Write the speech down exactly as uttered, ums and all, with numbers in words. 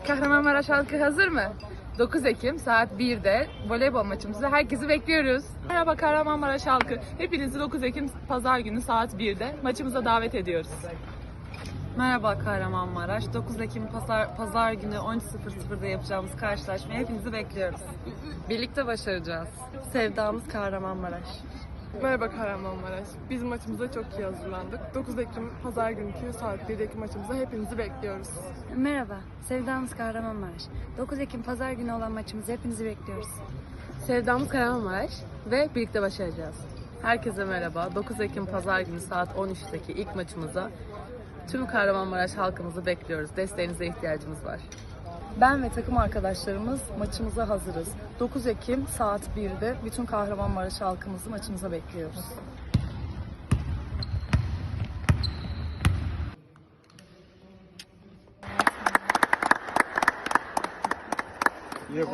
Kahramanmaraş halkı hazır mı? dokuz Ekim saat birde voleybol maçımızda herkesi bekliyoruz. Merhaba Kahramanmaraş halkı. Hepinizi dokuz Ekim Pazar günü saat birde maçımıza davet ediyoruz. Merhaba Kahramanmaraş. dokuz Ekim Pazar, Pazar günü on üç sıfır sıfırda yapacağımız karşılaşmaya hepinizi bekliyoruz. Birlikte başaracağız. Sevdamız Kahramanmaraş. Merhaba Kahramanmaraş. Biz maçımıza çok iyi hazırlandık. dokuz Ekim Pazar günkü saat birdeki maçımıza hepinizi bekliyoruz. Merhaba, sevdamız Kahramanmaraş. dokuz Ekim Pazar günü olan maçımızı hepinizi bekliyoruz. Sevdamız Kahramanmaraş ve birlikte başaracağız. Herkese merhaba. dokuz Ekim Pazar günü saat on üçteki ilk maçımıza tüm Kahramanmaraş halkımızı bekliyoruz. Desteğinize ihtiyacımız var. Ben ve takım arkadaşlarımız maçımıza hazırız. dokuz Ekim saat birde bütün Kahramanmaraş halkımızı maçımıza bekliyoruz.